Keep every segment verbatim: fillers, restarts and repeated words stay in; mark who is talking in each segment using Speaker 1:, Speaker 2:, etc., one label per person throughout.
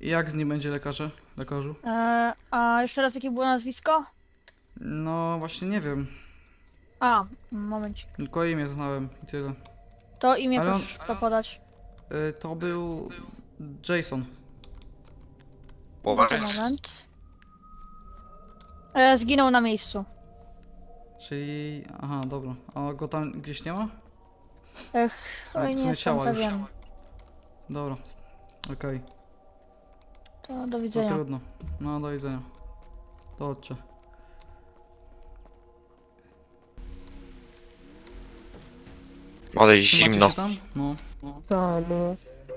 Speaker 1: I jak z nim będzie lekarze? Lekarzu?
Speaker 2: E, a jeszcze raz jakie było nazwisko?
Speaker 1: No właśnie nie wiem.
Speaker 2: A, momencik.
Speaker 1: Tylko imię znałem i tyle.
Speaker 2: To imię
Speaker 1: Ale on-
Speaker 2: proszę to podać.
Speaker 1: Y, to był Jason.
Speaker 2: To moment. E, zginął na miejscu.
Speaker 1: Czyli... Aha, dobra. A go tam gdzieś nie ma?
Speaker 2: Ech,
Speaker 1: W sumie-
Speaker 2: oj,
Speaker 1: w
Speaker 2: nie
Speaker 1: sumie
Speaker 2: jestem
Speaker 1: ciała już.
Speaker 2: pewien.
Speaker 1: Dobra. Okej.
Speaker 2: To do
Speaker 1: To
Speaker 2: widzenia.
Speaker 1: trudno. No do widzenia. To chodźcie.
Speaker 3: Ale jest
Speaker 1: Trzymacie
Speaker 3: zimno.
Speaker 1: się tam? No.
Speaker 4: Ta, no.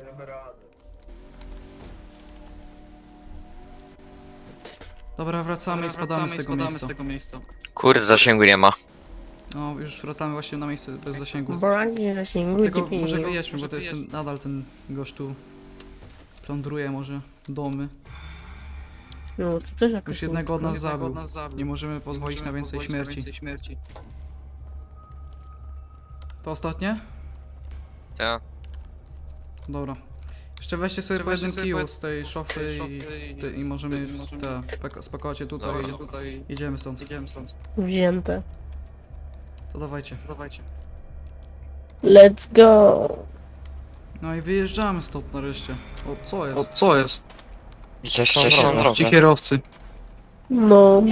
Speaker 1: Dobra, wracamy i spadamy, z, tego miejsca.
Speaker 5: z tego miejsca.
Speaker 3: Kurde, zasięgu nie ma.
Speaker 1: No, już wracamy właśnie na miejsce bez zasięgu.
Speaker 4: Brak zasięgu,
Speaker 1: Dlatego
Speaker 4: dziewięć.
Speaker 1: może wyjedźmy,
Speaker 5: Może
Speaker 1: bo to jest ten,
Speaker 5: wyjedźmy.
Speaker 1: nadal ten gość tu plądruje może domy.
Speaker 4: No, to też jakaś
Speaker 1: Już jednego od nas
Speaker 5: Jednego
Speaker 1: zabił.
Speaker 5: od nas zabił.
Speaker 1: Nie możemy pozwolić
Speaker 5: Możemy
Speaker 1: na więcej
Speaker 5: pozwolić na
Speaker 1: śmierci.
Speaker 5: więcej śmierci.
Speaker 1: To ostatnie?
Speaker 3: Tak.
Speaker 1: Dobra. Jeszcze weźcie sobie
Speaker 5: Jeszcze
Speaker 1: po
Speaker 5: weźcie
Speaker 1: jednym
Speaker 5: sobie
Speaker 1: kiju
Speaker 5: po-
Speaker 1: z tej
Speaker 5: z
Speaker 1: szopy
Speaker 5: tej
Speaker 1: i,
Speaker 5: szopy
Speaker 1: z
Speaker 5: i-
Speaker 1: te, i
Speaker 5: z
Speaker 1: możemy
Speaker 5: tej-
Speaker 1: już
Speaker 5: możemy-
Speaker 1: te, pako- spakować je tutaj
Speaker 3: Dobra.
Speaker 1: i
Speaker 5: Tutaj
Speaker 1: jedziemy stąd.
Speaker 5: idziemy stąd.
Speaker 4: wzięte.
Speaker 1: To dawajcie.
Speaker 5: Dawajcie.
Speaker 4: Let's go.
Speaker 1: No i wyjeżdżamy stąd nareszcie. O, co jest?
Speaker 5: O, co jest?
Speaker 3: Gdzieś coś na
Speaker 1: Dobra.
Speaker 3: drodze.
Speaker 5: Ci kierowcy.
Speaker 4: No.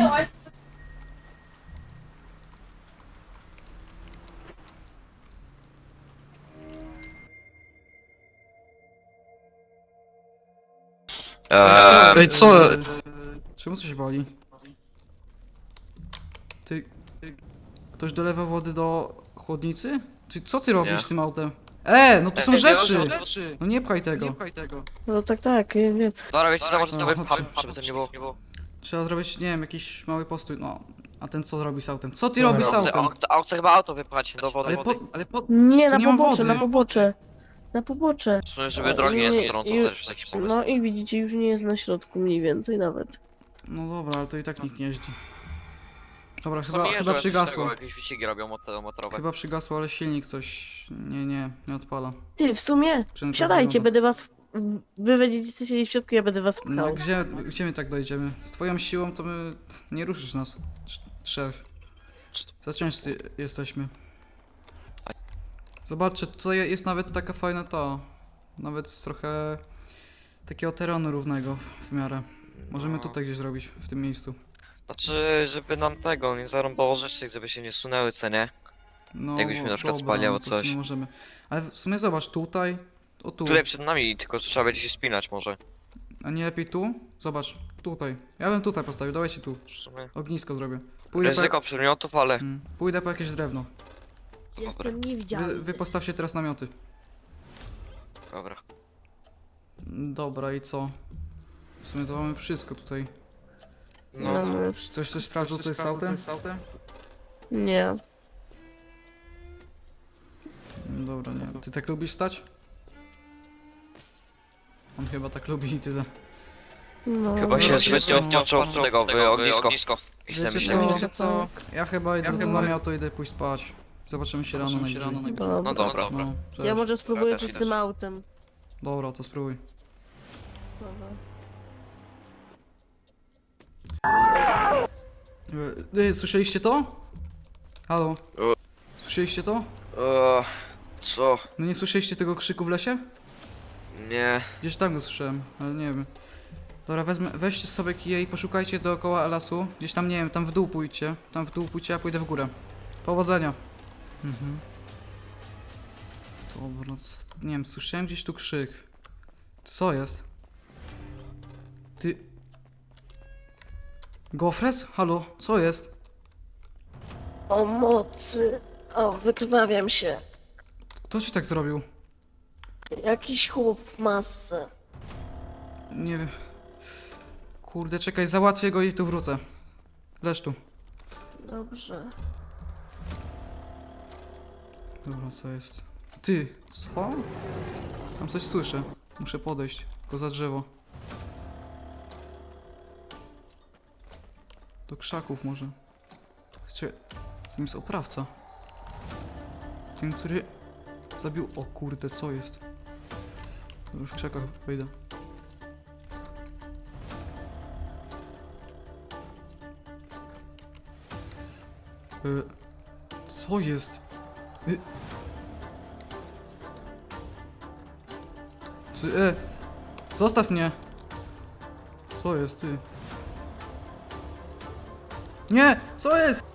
Speaker 3: Eee,
Speaker 5: Ej, co?
Speaker 1: Eee, Czemu coś boli? Ty... Ktoś dolewa wody do chłodnicy? Ty, co ty robisz
Speaker 3: Nie.
Speaker 1: z tym autem? E, no tu są
Speaker 3: Ej,
Speaker 1: rzeczy!
Speaker 5: Rzeczy.
Speaker 1: No nie pchaj tego.
Speaker 5: Nie pchaj tego.
Speaker 4: No tak, tak, ja wiem.
Speaker 3: Dobra, wiecie co, może
Speaker 1: No,
Speaker 3: sobie
Speaker 1: chodź,
Speaker 3: pcham,
Speaker 1: chodź.
Speaker 3: żeby to nie było.
Speaker 1: Trzeba zrobić, nie wiem, jakiś mały postój. No, a ten co robi z autem? Co ty robisz z
Speaker 3: A
Speaker 1: autem?
Speaker 3: chce, a chce chyba auto wypchać do wody.
Speaker 1: Ale po...
Speaker 5: Ale po...
Speaker 4: Nie,
Speaker 1: Tu
Speaker 4: na
Speaker 1: nie ma
Speaker 4: pobocze,
Speaker 1: wody.
Speaker 4: na pobocze. Na pobocze.
Speaker 3: W sumie, żeby drogi nie zatrącą,
Speaker 4: Ju-
Speaker 3: też jest jakiś pomysł.
Speaker 4: No i widzicie, już nie jest na środku mniej więcej nawet.
Speaker 1: No dobra, ale to i tak nikt nie jeździ. Dobra,
Speaker 3: Są
Speaker 1: chyba,
Speaker 3: jeżdżą
Speaker 1: chyba
Speaker 3: jakieś
Speaker 1: przygasło.
Speaker 3: tego, Jakieś wyścigi robią moto- motorowe.
Speaker 1: Chyba przygasło, ale silnik coś... Nie, nie, nie odpala.
Speaker 4: Ty, w sumie,
Speaker 1: Przynajmniej tak
Speaker 4: wsiadajcie,
Speaker 1: wygląda.
Speaker 4: będę was... Wy będziecie siedzieć w środku, ja będę was
Speaker 1: No
Speaker 4: pchał.
Speaker 1: gdzie, gdzie my tak dojdziemy? Z twoją siłą to my... Nie ruszysz nas. Trz- Trzech. Za ciężcy jesteśmy. Zobaczcie, tutaj jest nawet taka fajna ta... Nawet trochę... Takiego terenu równego w, w miarę. Możemy
Speaker 3: No.
Speaker 1: tutaj gdzieś zrobić, w tym miejscu.
Speaker 3: Znaczy, żeby nam tego nie zarąbało rzeczy, żeby się nie sunęły, co nie?
Speaker 1: No,
Speaker 3: Jakbyśmy na przykład
Speaker 1: dobra,
Speaker 3: spali albo
Speaker 1: no to w sumie
Speaker 3: coś.
Speaker 1: możemy. Ale w sumie zobacz, tutaj... O tu.
Speaker 3: Tutaj przed nami, tylko trzeba będzie się spinać może.
Speaker 1: A nie lepiej tu? Zobacz, tutaj. Ja bym tutaj postawił, dawajcie tu.
Speaker 3: W sumie.
Speaker 1: Ognisko zrobię. Pójdę po,
Speaker 3: Ryzyko przedmiotów, ale...
Speaker 1: mm, pójdę po jakieś drewno.
Speaker 4: Jestem
Speaker 1: Wy,
Speaker 4: niewidzialny.
Speaker 1: wy postawcie teraz namioty.
Speaker 3: Dobra.
Speaker 1: Dobra, i co? W sumie to mamy wszystko tutaj.
Speaker 3: No,
Speaker 4: No,
Speaker 3: no.
Speaker 4: no,
Speaker 1: Ktoś coś sprawdził, co jest z autem?
Speaker 4: nie.
Speaker 1: Dobra, nie. Ty tak lubisz stać? On chyba tak lubi i tyle.
Speaker 4: No,
Speaker 3: Chyba
Speaker 4: no,
Speaker 3: się
Speaker 1: no,
Speaker 3: zbytnio
Speaker 1: no,
Speaker 3: wciączą w tego, w ognisko. I chcę
Speaker 1: Wiecie
Speaker 3: myśleć.
Speaker 1: co?
Speaker 5: Wiecie co?
Speaker 1: Ja chyba idę do
Speaker 5: chyba-
Speaker 1: namiotu, idę pójść spać. Zobaczymy się rano
Speaker 5: Zobaczymy się
Speaker 1: najwyżej.
Speaker 5: rano najwyżej.
Speaker 4: Dobra.
Speaker 3: No dobra.
Speaker 1: No, cześć.
Speaker 4: Ja może spróbuję
Speaker 3: też
Speaker 4: coś z
Speaker 3: idę.
Speaker 4: tym autem.
Speaker 1: Dobra, to spróbuj.
Speaker 4: Dobra.
Speaker 1: E, Ej, słyszeliście to? Halo?
Speaker 3: O.
Speaker 1: Słyszeliście to?
Speaker 3: Eee, co?
Speaker 1: No nie słyszeliście tego krzyku w lesie?
Speaker 3: Nie.
Speaker 1: Gdzieś tam go słyszałem, ale nie wiem. Dobra, wezmę, weźcie sobie kije i poszukajcie dookoła lasu. Gdzieś tam, nie wiem, tam w dół pójdźcie. Tam w dół pójdźcie, a pójdę w górę. Powodzenia. Mhm. Dobra, co? Nie wiem, słyszałem gdzieś tu krzyk. Co jest? Ty... Gofres? Halo, co jest?
Speaker 4: O mocy. O, wykrwawiam się.
Speaker 1: Kto ci tak zrobił?
Speaker 4: Jakiś chłop w masce.
Speaker 1: Nie wiem. Kurde, czekaj, załatwię go i tu wrócę. Leż tu.
Speaker 4: Dobrze.
Speaker 1: Dobra, co jest? Ty, co? Tam coś słyszę. Muszę podejść, tylko za drzewo. Do krzaków może. Słuchajcie, tym jest oprawca. Ten, który zabił... O kurde, co jest? Dobra, w krzakach wejdę. Y, co jest? Y... Ty, e, zostaw mnie! Co jest, ty? Nie! Co jest?